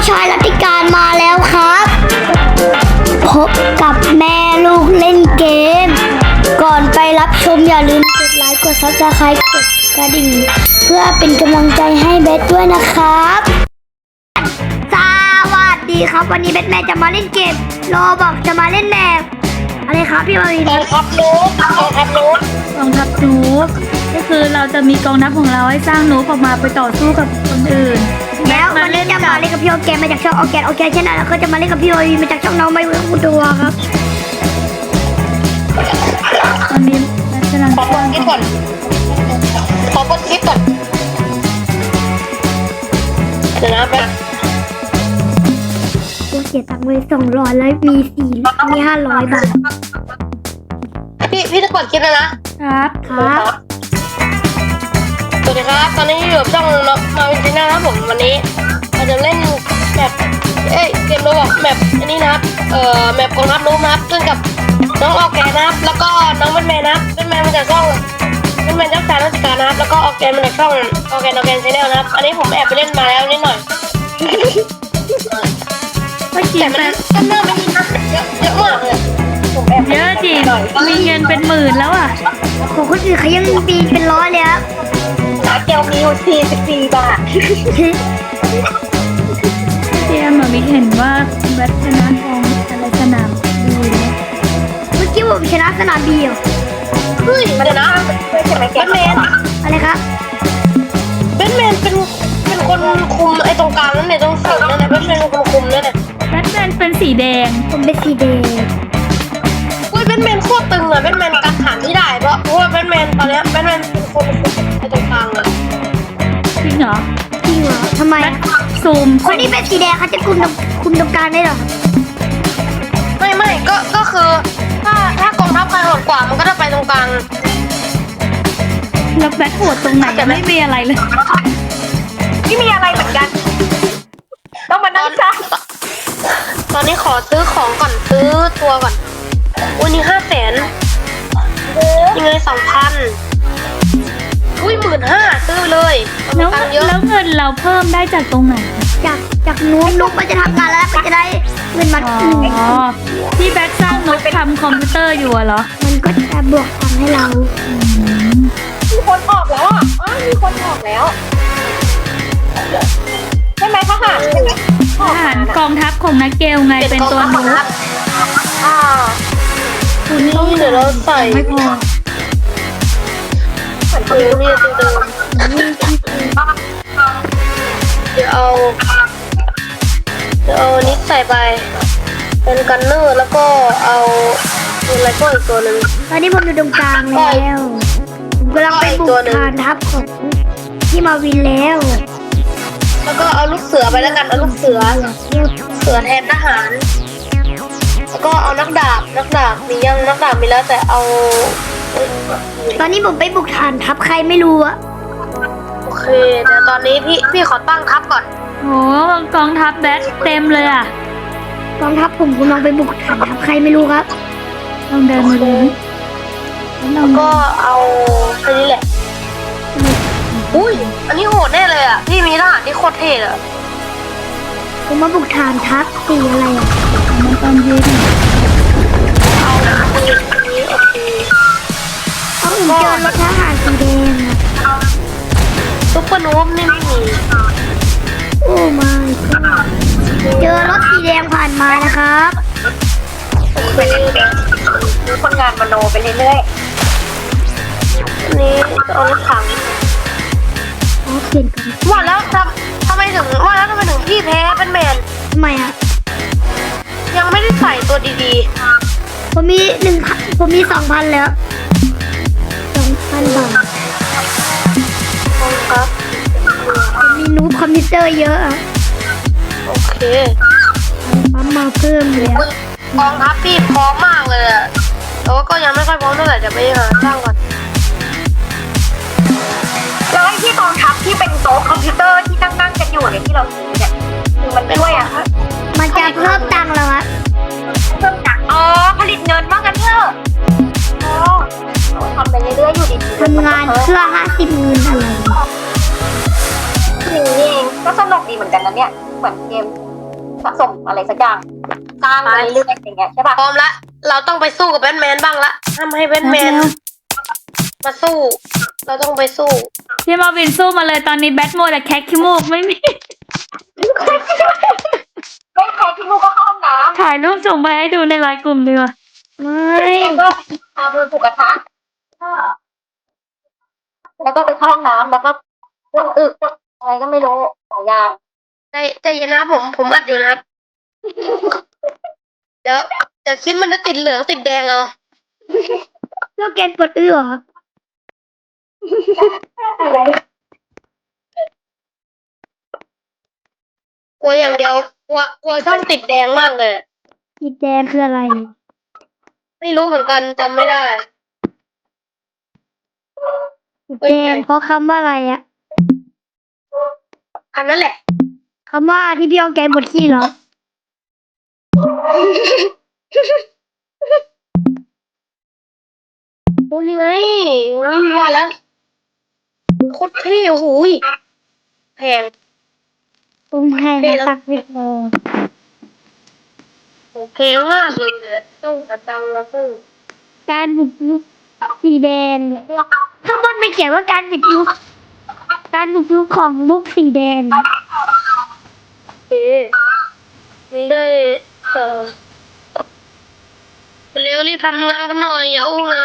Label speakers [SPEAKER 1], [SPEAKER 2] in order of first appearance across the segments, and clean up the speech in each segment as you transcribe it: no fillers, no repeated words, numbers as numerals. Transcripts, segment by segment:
[SPEAKER 1] ชายรัติการมาแล้วครับพบกับแม่ลูกเล่นเกมก่อนไปรับชมอย่าลืมกดไลค์กดซับสไครต์กดกระดิ่งเพื่อเป็นกำลังใจให้เบสด้วยนะครับสวัสดีครับวันนี้เบสแม่จะมาเล่นเกมโรบอกจะมาเล่นแบบอะไรครับพี่บาวี
[SPEAKER 2] กองทัพนูบก็คือเราจะมีกองทัพของเราให้สร้างนูบออกมาไปต่อสู้กับคนอื่น
[SPEAKER 1] แล้ววันนี้จะมาเล่นกับพี่โอแกนมาจากช่องโอแกนเช่นนั้นแล้วก็จะมาเล่นกับพี่โอวีมาจากช่องน้องไม่รู้ตัวครับ
[SPEAKER 2] ตอนนี้กำลัง
[SPEAKER 3] ขอเปิดคลิปก่อนเดี๋ยวนะแป๊บ
[SPEAKER 1] กูเสียตังค์ไว้200แล้วมี500 บาท
[SPEAKER 3] พี่จะเปิดคลิปแล้วนะครับ
[SPEAKER 1] ครับ
[SPEAKER 3] สวัสดีครับตอนนี้อยู่กับช่องมาวินจีน่าครับผมวันนี้เราจะเล่นแบบเกมโรบอกแบบอันนี้นะครับแบบกองทัพนูบนะครับซึ่งกับน้องออร์แกนนะครับแล้วก็น้องแบทแมนนะครับแบทแมนมาจากช่องแบทแมนเจ้าชายราชการนะครับแล้วก็ออร์แกนมาจากช่องออร์แกนชาแนลนะครับอันนี้ผมแอบไปเล่นมาแล้วนิดหน่อยแต่มันก็น่าไม่ดีนะเยอะมากเลยผมแอบ
[SPEAKER 2] เยอะจริงมีเงินเป็นหมื่นแล้วอ่ะ
[SPEAKER 1] ของคนอื่นเขายังปีเป็นร้อยเลยครับ
[SPEAKER 3] ร้านเกลมีอยู่44 บาท
[SPEAKER 2] เจมมีเห็นว่าแบทชนะทองอะไรสนามดูเลย
[SPEAKER 1] เมื่อกี้ผมชนะสนามบีเหรอ
[SPEAKER 3] เฮ้ยเดี๋ยวนะแบทแมน
[SPEAKER 1] อะไรครับ
[SPEAKER 3] แบทแมนเป็นคนคุมไอ้ตรงกลางนั่นเนี่ยตรงสูงนั่นเนี่ยแบทแมนเป็นคนคุมนั่นเนี่ย
[SPEAKER 2] แบทแมนเป็นสีแดง
[SPEAKER 1] ผมเป็นสีแดง
[SPEAKER 3] อุ้ยแบทแมนโคตรตึงอะแบทแมนกันฐานที่ได้เพราะว่าแบทแมนตอนนี้แบทแมนเป็นคนคุมไอ้ตรงกลางเลย
[SPEAKER 2] จริงเหรอ
[SPEAKER 1] ทำไม
[SPEAKER 2] ซูม
[SPEAKER 1] คนนี้เป็นสีแดงเขาจะคุมตรงกลางได้หรอ
[SPEAKER 3] ไม่ก็คือถ้ากองทัพใครโหดกว่ามันก็จะไปตรงกลาง
[SPEAKER 2] แล้วแบทโหดตรงไหนจะไม่มีอะไรเลย
[SPEAKER 3] ไม่มีอะไรเหมือนกันต้องมานั่งจ้าตอนนี้ขอซื้อของก่อนซื้อตัวก่อนวันนี้500,000ยังไง2,000อุ้ย15,000ซื้อเลย
[SPEAKER 2] แล้วเงินเราเพิ่มได้จากตรงไหน
[SPEAKER 1] จากนุ๊กมันจะทำงานแล้วมันจะได้เงินมา
[SPEAKER 2] ที่แบทสร้างนุ๊กทำคอมพิวเตอร์อยู่เหรอ
[SPEAKER 1] มันก็จะบวกตังค์ให้เรา
[SPEAKER 3] มีคนออกแล้วมีคนออกแล้วใช่ไหมทหารใช่ไหม
[SPEAKER 2] ทหารกองทัพของนักเกลไงเป็นตัวนุ๊ก
[SPEAKER 3] คุณนี่เดี๋ยวเราใส่
[SPEAKER 2] ไม่พอ
[SPEAKER 3] นี่เดี๋ยวเอานี้ใส่ไปเป็นกันเนอร์แล้วก็เอาอะไรก็อีกตัวหนึ่ง
[SPEAKER 1] ตอนนี้ผมอยู่ตรงกลางแล้วผมกำลังไปบุกฐานทัพของที่มาวินแล้ว
[SPEAKER 3] ก็เอาลูกเสือไปแล้วกันเอาลูกเสือแทนทหารแล้วก็เอานักดาบมียังนักดาบมีแล้วแต่เอา
[SPEAKER 1] ตอนนี้ผมไปบุกฐานทัพใครไม่รู้อะ
[SPEAKER 3] โอเคเดี๋ยวตอนนี้พี่ขอตั้งทัพก่อน
[SPEAKER 2] โอ้กองทัพแบทเต็มเลยอ่ะ
[SPEAKER 1] กองทัพผมกำลังไปบุกฐานทัพใครไม่รู้ครับ
[SPEAKER 2] ลองเดินมาดู
[SPEAKER 3] แล้วก็เอาแค่นี้แหละอุ้ยอันนี้โหดแน่เลยอ่ะพี่มีทหารที่โคตรเท่เลย
[SPEAKER 1] ผมมาบุกฐานทัพสีอะไรอ่ะ
[SPEAKER 2] มันตอนเย็น
[SPEAKER 3] เอานี้โอเค
[SPEAKER 1] ผมเจอรถทหารสีแดง
[SPEAKER 3] ซุปเปอร์นูบนี่ไม่มี
[SPEAKER 1] โอ้ไม่เจอรถสีแดงผ่านมานะครับ
[SPEAKER 3] เป็นดูคนงานมโนไปเรื่อยๆนี่เอารถถัง
[SPEAKER 1] เขียนกัน
[SPEAKER 3] ว่าแล้วทำไมถึงพี่แพ้เป็นแมน
[SPEAKER 1] ทำไมอ่ะ
[SPEAKER 3] ยังไม่ได้ใส่ตัวดี
[SPEAKER 1] ๆผมมี2,000แล้ว2,000 บาท
[SPEAKER 3] ครับ
[SPEAKER 1] มีนูบคอมพิวเตอร์เยอะอะ
[SPEAKER 3] โอเค
[SPEAKER 1] ปั๊มมาเพิ่มเลย
[SPEAKER 3] กองทัพพี่พร้อมมากเลยอะแต่ว่าก็ยังไม่ค่อยพร้อมเท่าไหร่จะไปหาสร้างก่อน
[SPEAKER 4] แล้วไอ้ที่กองทัพที่เป็นโต๊ะคอมพิวเตอร์ที่นั่งกันอยู่เนี่ยที่เราซื้อเนี่ยคือมันช่วยอะคะ
[SPEAKER 1] มันจะเพิ่มตังค์แล้วครับ
[SPEAKER 4] เพิ่มตังค์ผลิตเงินมากกันเถอะทำไปเรื่อยๆอยู่ดีๆ
[SPEAKER 1] ทำงานเพื่อ50 เงินอะไร
[SPEAKER 4] นี่เองก็สนุกดีเหมือนกันนะเนี่ยเหมือนเกมสะสมอะไรสักอย่างสร้างมาเรื่อยๆอย่างเงี้ยใช่ป่ะ
[SPEAKER 3] พร้อมละเราต้องไปสู้กับแบทแมนบ้างละทำให้แบทแมนมาสู้ เราต้องไปสู้
[SPEAKER 2] พี่มาวินสู้มาเลยตอนนี้แบทโมดแต่แคคขี้มูกไม่มี
[SPEAKER 4] ไม่ใครที่ลูกก็เข้าห้องน้ำ
[SPEAKER 2] ถ่ายรูปส่งไปให้ดูในไลน์กลุ่มดีกว่าไม่
[SPEAKER 4] ก็เอามือผูกกระทะแล้วก็ไปเข้าห้องน้ำแล้วก็อึอะไรก็ไม่รู้หลายอย่าง
[SPEAKER 3] ใจเย็นนะผมอัดอยู่นะครับ เดี๋ยวคลิปมันจะติดเหลืองติดแดงเอา
[SPEAKER 1] เพื่อแกนกดอื้อเหรอ
[SPEAKER 4] อะไร
[SPEAKER 3] กลัวอย่างเดียวกลัวช่องติดแดงมากเลย
[SPEAKER 1] สีแดงคืออะไร
[SPEAKER 3] ไม่รู้เหมือนกันจำไม่ได้
[SPEAKER 1] สีแดงเพราะคำว่าอะไรอะ
[SPEAKER 3] อันนั้นแหละ
[SPEAKER 1] คำว่าที่พี่เอาแกนบดขี้เหรอ
[SPEAKER 3] โอ้ยไงว่าแล้วโคตรเท่โอ้โหยแพง
[SPEAKER 1] ตรงให้นะตักวิดโม
[SPEAKER 3] โอเคมากเลยต้องกระตังแล้วซึ่ง
[SPEAKER 1] การบุกรุกสีแดงถ้ามันไม่เขียนว่าการบุกรุกของลูกสีแดง
[SPEAKER 3] นี่ได้เร็วรีบทำงานกันหน่อยอย่าอู้งาน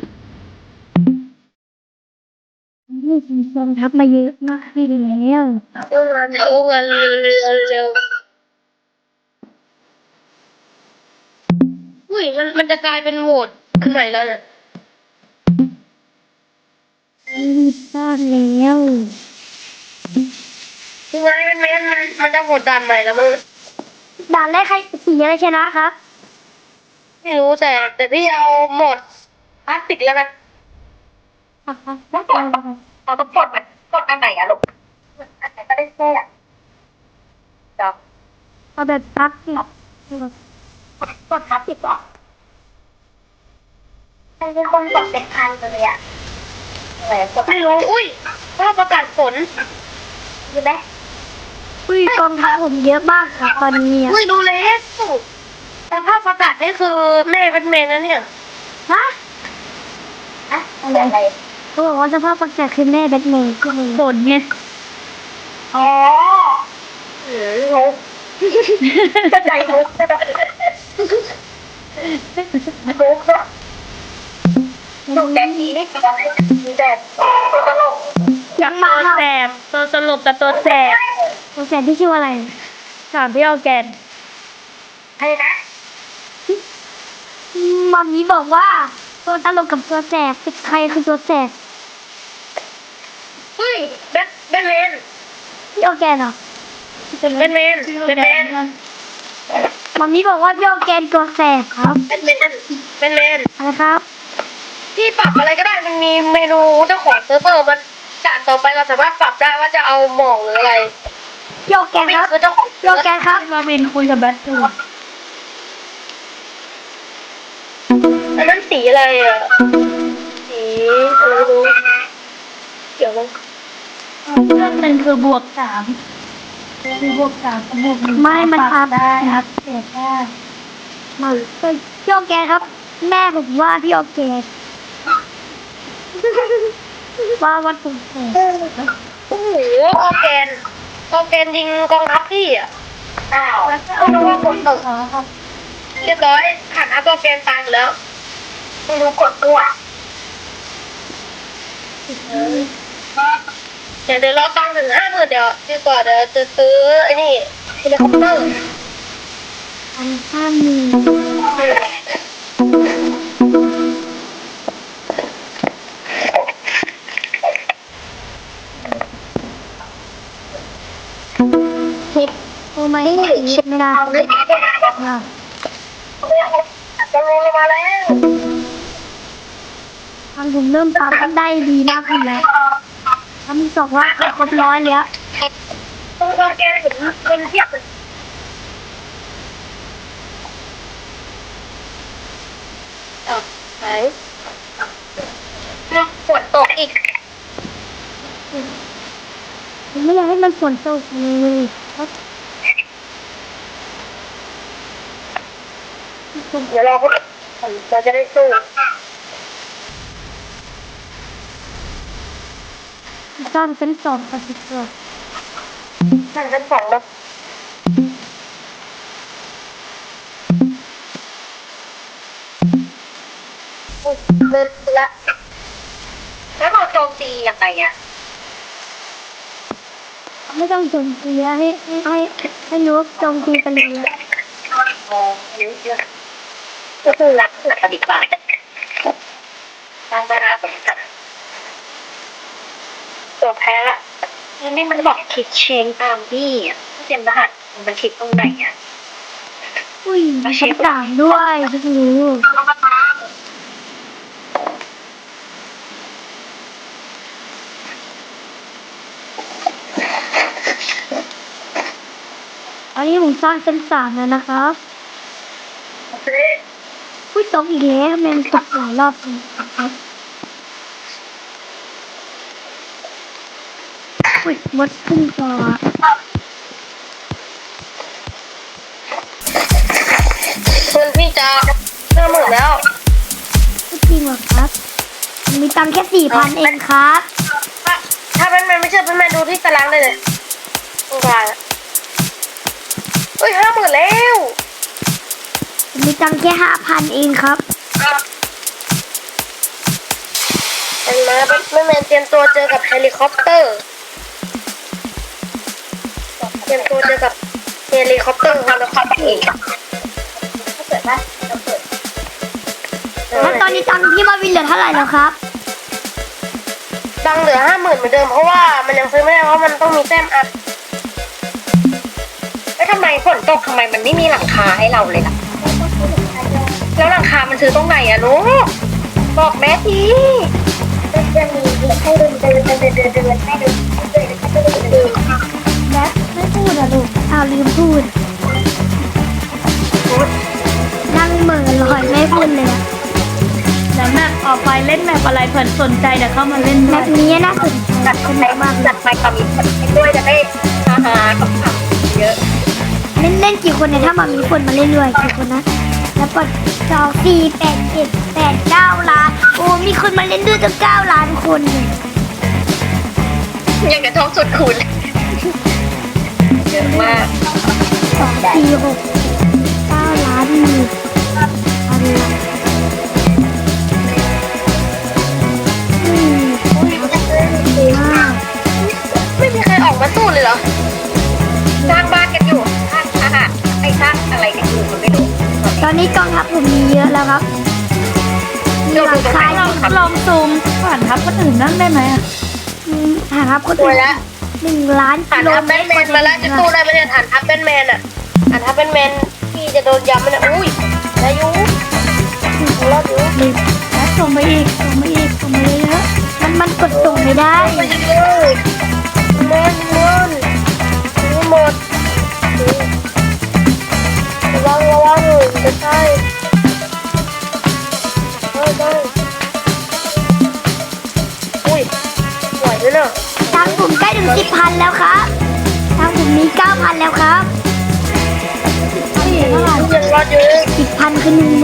[SPEAKER 1] นี่คือกองทัพมาเยอะมากที่แล้ว
[SPEAKER 3] อู้งานอย่าอู้งานเร็วอุ้ยมันจะกลายเป็นโหวตขึ้นไหนแล้วเนี่ย
[SPEAKER 1] รีบสร้างแล้ว
[SPEAKER 3] ยังไงมันจะโหวตด่านใหม่แล้วมึง
[SPEAKER 1] ด่านแรกใครสีอะไรชนะครับ
[SPEAKER 3] ไม่รู้แต่พี่เอาโหมดพลาสติกแล้วกัน
[SPEAKER 4] เราต้องกดอันไหนอะลูกอันไหนก็ได้แค่เดี๋ยว
[SPEAKER 1] เอาแบบตักสิ
[SPEAKER 4] กดทับติดก่อนเป็นคนกดเป็นพันเลยอะอะไรกด
[SPEAKER 3] ไม่รู้อุ้ยว่าประกาศผล
[SPEAKER 4] อยู่ไหม
[SPEAKER 1] อุ้ยกองทัพผมเยอะมากค่ะตอนนี้อะ
[SPEAKER 3] อุ้ยดูแล้วแต่ภาพประกาศนี่คือแม่เป็นเมนนะเนี่ย
[SPEAKER 1] ฮะ
[SPEAKER 4] อะอะไร
[SPEAKER 1] เขาบอกว่าสภาพประกาศคือแม่แบทแมนก็เลย
[SPEAKER 2] ผลไง
[SPEAKER 4] อ๋อโง่จะใจโง่ใช่ไหมโง่ก็ดูแดนนี้นี่คืออะไรมีแต่ตัวตลก
[SPEAKER 2] ยังมาแสบตัวสรุปกับตัวแสบ
[SPEAKER 1] ตัวแสบที่ชื่อว่าอะไร
[SPEAKER 2] ถามพี่เอาแกน
[SPEAKER 4] ให้นะ
[SPEAKER 1] มัมมี่บอกว่าตัวตลกกับตัวแสบเป็นใครคือตัวแสบ
[SPEAKER 3] เฮ้ยแบทแมน
[SPEAKER 1] พี่ออร์แกนเหรอ
[SPEAKER 3] แบทแมน
[SPEAKER 1] มัมมี่บอกว่าพี่ออร์แกนตัวแสบครับ
[SPEAKER 3] แบทแมน
[SPEAKER 1] อะไรครับ
[SPEAKER 3] ที่ปรับอะไรก็ได้มันมีเมนูเจ้าของเซิร์ฟเวอร์มันด่านต่อไปเราสามารถปรับได้ว่าจะเอาหมอกหรืออะไร
[SPEAKER 1] พี่ออร์แกน
[SPEAKER 3] ไม่
[SPEAKER 1] ครับ
[SPEAKER 3] คือเจ้าของ
[SPEAKER 1] พี่ออร์แกนครับ
[SPEAKER 2] มาวินคุยกับแบทอยู่
[SPEAKER 3] อันนั้นสีอะไรอ่ะสีอะไรไม่รู้เกี่ยวมั้ง
[SPEAKER 2] เพื่อนมันคือบวกสามคือบวกสามกับบวกหนึ่ง
[SPEAKER 1] ไม่มันทำ
[SPEAKER 2] ได้ครับเสียได้
[SPEAKER 1] มาพี่ออร์แกนครับ แม่ผมว่าพี่ออร์แกนว่าวัดตัวแสบ
[SPEAKER 3] โอ้โหออร์แกนยิงกองทัพพี่อ่ะ
[SPEAKER 4] อ้าว
[SPEAKER 3] แล้วก็เอาน้ว่ากดตกเรียบร้อยขันอัพออร์แกนตายอยู่แล้ว
[SPEAKER 4] ไม่รู้กดตัว
[SPEAKER 3] เดี๋ยวเราตังค์ถึง50,000เดี๋ยวดีกว่าเดี๋ยวจะซื้อไอ้นี่เฮลิคอปเตอร์
[SPEAKER 1] อันข้างมือโอ้ไม่เช็ดไม่ได้
[SPEAKER 4] เอาเลย
[SPEAKER 1] อ่ะ
[SPEAKER 4] จะลงมาแล้ว
[SPEAKER 1] ทางผมเริ่มทำได้ดีมากขึ้นแล้วทำ2 รอบครบ100แล้ว
[SPEAKER 3] ต้องออร์แกนถึงคนเทียบเลยไหนฝนตกอีก
[SPEAKER 1] ผมไม่อยากให้มันฝนตกเลย
[SPEAKER 4] เดี๋ยวรอพวกเราจะได้สู้
[SPEAKER 2] สร้างเส้นสองคอนสิเตอร์
[SPEAKER 4] นั่นชั้นสองแล้วเดินละแล้วเราโจมตียังไงอ่ะ
[SPEAKER 1] ไม่ต้องโจมตีให้รู้ว่าโจมตีกันเลย
[SPEAKER 4] เยอะๆก็คือรักหลักดีกว่าการบาราแบบตัวแพ้ละนี่มันบอกคลิกเชงตามพี่อ่ะเตรียมรหัสมันคลิกตรงไหนอ่ะ
[SPEAKER 1] อุ้ยมีคำสั่งด้วยเพิ่งรู้อันนี้ผมสร้างเส้นสามแล้วนะครับอุ้ยตกอีกแล้วแมนตกหลายรอบเลยครับอุ้ยมดขึ้นจอ
[SPEAKER 3] เพื่อนพี่จะ50,000แล้ว
[SPEAKER 1] ไม่จริงหรอครับมีตังค์แค่4,000เองครับ
[SPEAKER 3] ถ้าแบทแมนไม่เชื่อแบทแมนดูที่ตารางได้เลยตรงกลางอะเฮ้ย50,000แล้ว
[SPEAKER 1] มีตังค์แค่5,000เองครับ
[SPEAKER 3] เห็นไหมแบทแมนเตรียมตัวเจอกับเฮลิคอปเตอร์ เตรียมตัวเจอกับเฮลิคอปเตอร์ฮอลคอปเอง
[SPEAKER 4] ถ้าเกิดว่าเราเปิด
[SPEAKER 1] แล้วตอนนี้ตังค์พี่มาวินเหลือเท่าไหร่แล้วครับ
[SPEAKER 3] ดังเหลือ50,000เหมือนเดิมเพราะว่ามันยังซื้อไม่ได้เพราะมันต้องมีแต้มอัพ
[SPEAKER 4] แล้วทำไมฝนตกทำไมมันไม่มีหลังคาให้เราเลยล่ะ แล้วหลังคามันซื้อตรงไหนอะลูกบอกแม่ทีจะมีให้เดินให้เดินให้เดิน
[SPEAKER 1] แบ๊ไม่พูดอะลูกอ้าวลืมพูด นั่งเหม่อลอยไม่พูดเลยอะ
[SPEAKER 2] แล้วแมปออกไปเล่นแมปอะไรเผื่อสนใจเดี๋ยวเข้ามาเล่น
[SPEAKER 1] แบ
[SPEAKER 2] ด้วย
[SPEAKER 1] บนี้น่าสนใจ
[SPEAKER 4] จัด
[SPEAKER 1] ส
[SPEAKER 4] ไป
[SPEAKER 1] นุกมากเลย
[SPEAKER 4] จัดไปกับมีคนด้วยจะได้ฮาๆกับเยอะ
[SPEAKER 1] เล่นกี่คนเนี่ยถ้ามามีคนมาเล่นด้วยกี่คนนะแล้วกด2 4 8 7 8 9 ล้านโอ้มีคนมาเล่นด้วยตั้ง9 ล้านคนเลย
[SPEAKER 4] ยังกระทบสุดคูณเยอะมาก
[SPEAKER 1] 2 4 6 9 ล้านหมื่นพันล้านดีมาก
[SPEAKER 3] ไม่มีใครออกมาสู้เลยเหรอ
[SPEAKER 4] สร้างบ้านกันอยู่สร้างอาหารไอ้สร้างอะไรกันอยู่มันไม่รู้
[SPEAKER 1] ตอนนี้กองทัพผมมีเยอะแล้วครับมีหลังคา
[SPEAKER 2] ลองซูมผ่านทับคนอื่นนั่งได้ไหมอะ
[SPEAKER 1] ฐานทัพคน
[SPEAKER 3] สว
[SPEAKER 1] อื่
[SPEAKER 3] ย
[SPEAKER 1] น
[SPEAKER 3] ละ
[SPEAKER 1] 1 ล้าน
[SPEAKER 3] ฐา
[SPEAKER 1] กิ
[SPEAKER 3] น
[SPEAKER 1] โล
[SPEAKER 3] ทัพ
[SPEAKER 1] เม
[SPEAKER 3] แบ
[SPEAKER 1] ต
[SPEAKER 3] ท
[SPEAKER 1] ร
[SPEAKER 3] แมนมาแล้วจะสู้ได้ไหมเนี่ยฐานทัพแบทแมนอะฐานทัพแบทแมนที่จะโดนย้ำมันอะอุ้ยอายุรอดอยู่
[SPEAKER 2] แล้วส่งไปอีกส่งไปอีกส่งไปเยอะ
[SPEAKER 1] มันกดส่งไม่ได้
[SPEAKER 3] ไปเลยมันนี่หมดระวังจะใช่ได้อุ้ยไหวไหมเนาะ
[SPEAKER 1] ทางผมใกล้ถึง10,000แล้วครับทางผมมี9,000แล้วครับ
[SPEAKER 3] ยังรอดอยู่
[SPEAKER 1] 10,000คือ10,000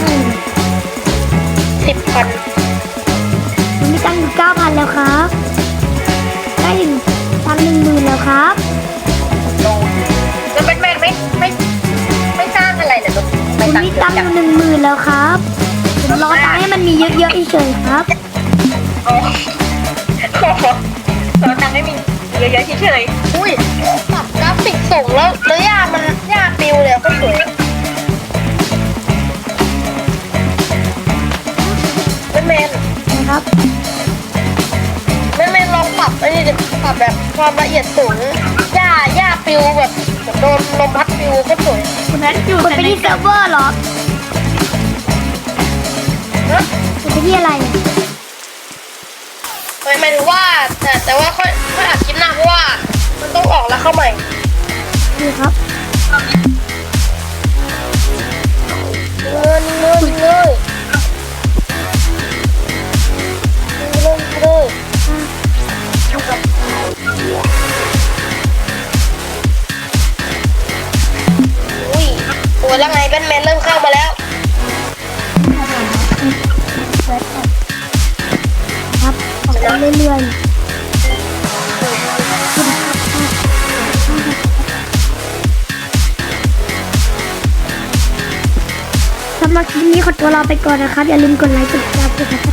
[SPEAKER 3] 10,000
[SPEAKER 1] ผมมีตังค์อยู่9,000แล้วครับใกล้ถึงตังค์10,000แล้วครับ
[SPEAKER 4] แล้วแบทแมนไม่สร้างอะไรเลยลูก
[SPEAKER 1] ผ
[SPEAKER 4] ไม่
[SPEAKER 1] ม
[SPEAKER 4] ตั้ง
[SPEAKER 1] มี
[SPEAKER 4] เย
[SPEAKER 1] ตั
[SPEAKER 4] อะ
[SPEAKER 1] งค์อ
[SPEAKER 4] จัง
[SPEAKER 1] ยู่10,000แล้วครับผมรอตังค์ให้มันมีเยอะๆเฉยๆครับ
[SPEAKER 4] โอ้โหเราตังไม่มีเยอะๆเฉย
[SPEAKER 3] อุ้ยปรับกราฟิกส่งแล้วหญ้ามันหญ้าปิวเลยก็สวยแบทแมน
[SPEAKER 1] นะครับ
[SPEAKER 3] แบทแมนลองปรับไอ้นี่ดิปรับแบบความละเอียดสูงหญ้าปิวแบบโดนลมพัดปิวก็สวย
[SPEAKER 2] ๆคุณแอดอยู่
[SPEAKER 1] กด
[SPEAKER 2] แต่
[SPEAKER 1] ไป
[SPEAKER 2] ใน
[SPEAKER 1] ที่เซิร์ฟเวอร์เหรอ
[SPEAKER 3] นะ
[SPEAKER 1] กดไปที่อะไร
[SPEAKER 3] หมายถึงว่าแต่ว่าค่อยอัดคลิปหน้าเพราะว่ามันต้องออกแล้วเข้าใหม่
[SPEAKER 1] นี่ครับ
[SPEAKER 3] เงินเลยอุ้ยโอ้ยแล้วไงแบทแมนเริ่มเข้ามาแล้ว
[SPEAKER 1] เรื่อยๆ สำหรับคลิปนี้ขอตัวลาไปก่อนนะครับ อย่าลืมกดไลค์กดแชร์กดติดตาม